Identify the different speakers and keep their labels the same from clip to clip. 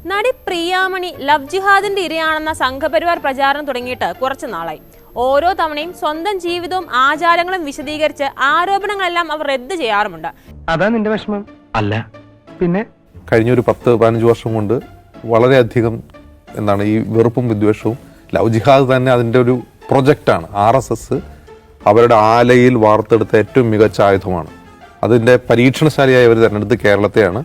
Speaker 1: നടി പ്രിയാമണി ലവ് ജിഹാദിന്റെ ഇരയാണെന്ന സംഘപരിവാർ പ്രചാരണം തുടങ്ങിയിട്ട് കുറച്ചു നാളായി. ഓരോ തവണയും സ്വന്തം ജീവിതവും ആചാരങ്ങളും വിശദീകരിച്ച് ആരോപണങ്ങളെല്ലാം അവർ റദ്ദ് ചെയ്യാറുമുണ്ട്.
Speaker 2: അതാ നിന്റെ വിഷമം? അല്ല പിന്നെ
Speaker 3: കഴിഞ്ഞൊരു 10-15 വർഷം കൊണ്ട് വളരെയധികം ഈ വെറുപ്പും വിദ്വേഷവും ലവ് ജിഹാദ് തന്നെ അതിൻ്റെ ഒരു പ്രൊജക്റ്റാണ്. RSS അവരുടെ ആലയിൽ വാർത്തെടുത്ത ഏറ്റവും മികച്ച ആയുധമാണ്. അതിൻ്റെ പരീക്ഷണശാലയായി അവർ തിരഞ്ഞെടുത്ത് കേരളത്തെയാണ്.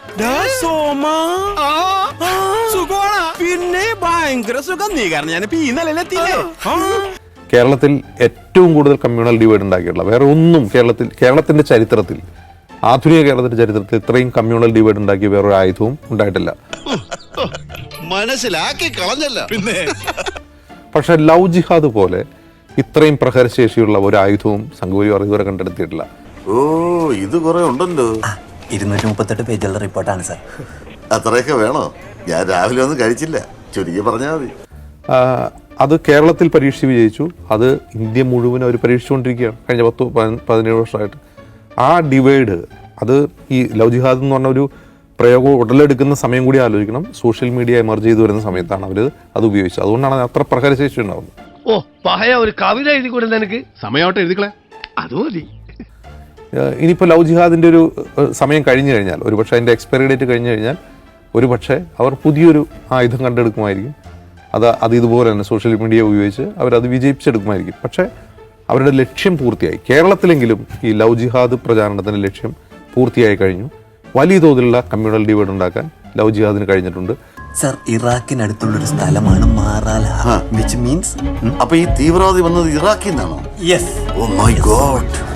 Speaker 3: കേരളത്തിൽ ഏറ്റവും കൂടുതൽ കമ്മ്യൂണൽ ഡിവൈഡ് ഉണ്ടാക്കിയിട്ടുള്ള വേറെ ഒന്നും കേരളത്തിന്റെ ചരിത്രത്തിൽ, ആധുനിക കേരളത്തിന്റെ ചരിത്രത്തിൽ ഇത്രയും കമ്മ്യൂണൽ ഡിവൈഡ് ഉണ്ടാക്കിയ വേറൊരു ആയുധവും ഉണ്ടായിട്ടില്ല.
Speaker 4: മനസ്സിലാക്കി കളഞ്ഞല്ല പിന്നെ.
Speaker 3: പക്ഷെ ലവ് ജിഹാദ് പോലെ ഇത്രയും പ്രഹരശേഷിയുള്ള ഒരു ആയുധവും സംഘപരിവാർ ഇതുവരെ കണ്ടെടുത്തിട്ടില്ല.
Speaker 4: ഓ, ഇത് കുറെ ഉണ്ടല്ലോ.
Speaker 5: 238 പേജുള്ള റിപ്പോർട്ടാണ് സാർ.
Speaker 4: അത്രയൊക്കെ വേണോ? ഞാൻ രാവിലെ ഒന്നും കഴിച്ചില്ല, ചുരുക്കി പറഞ്ഞാൽ മതി.
Speaker 3: അത് കേരളത്തിൽ പരീക്ഷിച്ച് വിജയിച്ചു. അത് ഇന്ത്യ മുഴുവൻ അവർ പരീക്ഷിച്ചുകൊണ്ടിരിക്കുകയാണ് കഴിഞ്ഞ 10-17 വർഷമായിട്ട്. ആ ഡിവൈഡ്, അത് ഈ ലവ് ജിഹാദ് എന്ന് പറഞ്ഞ ഒരു പ്രയോഗം ഉടലെടുക്കുന്ന സമയം കൂടി ആലോചിക്കണം. സോഷ്യൽ മീഡിയ എമർജ് ചെയ്ത് വരുന്ന സമയത്താണ് അവർ അത് ഉപയോഗിച്ചത്. അതുകൊണ്ടാണ് അത്ര പ്രഹരശേഷി ഉണ്ടാവുന്നത്.
Speaker 2: ഓ, പഹയ ഒരു കവിത എഴുതി കൊടുത്ത എനിക്ക് സമയമായിട്ട് എഴുതിക്കളെ, അത് മതി.
Speaker 3: ഇനിയിപ്പോൾ ലവ് ജിഹാദിൻ്റെ ഒരു സമയം കഴിഞ്ഞു കഴിഞ്ഞാൽ, ഒരുപക്ഷെ അതിൻ്റെ എക്സ്പയറി ഡേറ്റ് കഴിഞ്ഞു കഴിഞ്ഞാൽ ഒരുപക്ഷെ അവർ പുതിയൊരു ആയുധം കണ്ടെടുക്കുമായിരിക്കും. അത് ഇതുപോലെ തന്നെ സോഷ്യൽ മീഡിയ ഉപയോഗിച്ച് അവരത് വിജയിപ്പിച്ചെടുക്കുമായിരിക്കും. പക്ഷേ അവരുടെ ലക്ഷ്യം പൂർത്തിയായി. കേരളത്തിലെങ്കിലും ഈ ലവ് ജിഹാദ് പ്രചാരണത്തിൻ്റെ ലക്ഷ്യം പൂർത്തിയായി കഴിഞ്ഞു. വലിയ തോതിലുള്ള കമ്മ്യൂണൽ ഡിവൈഡ് ഉണ്ടാക്കാൻ ലവ് ജിഹാദിന് കഴിഞ്ഞിട്ടുണ്ട്.
Speaker 5: സർ, ഇറാഖിനടുത്തുള്ളൊരു സ്ഥലമാണ് മാറാല, which means
Speaker 4: അപ്പൊ ഈ തീവ്രവാദി വന്നത് ഇറാഖിൽ നിന്നാണോ?
Speaker 5: യെസ്.
Speaker 4: Oh my God.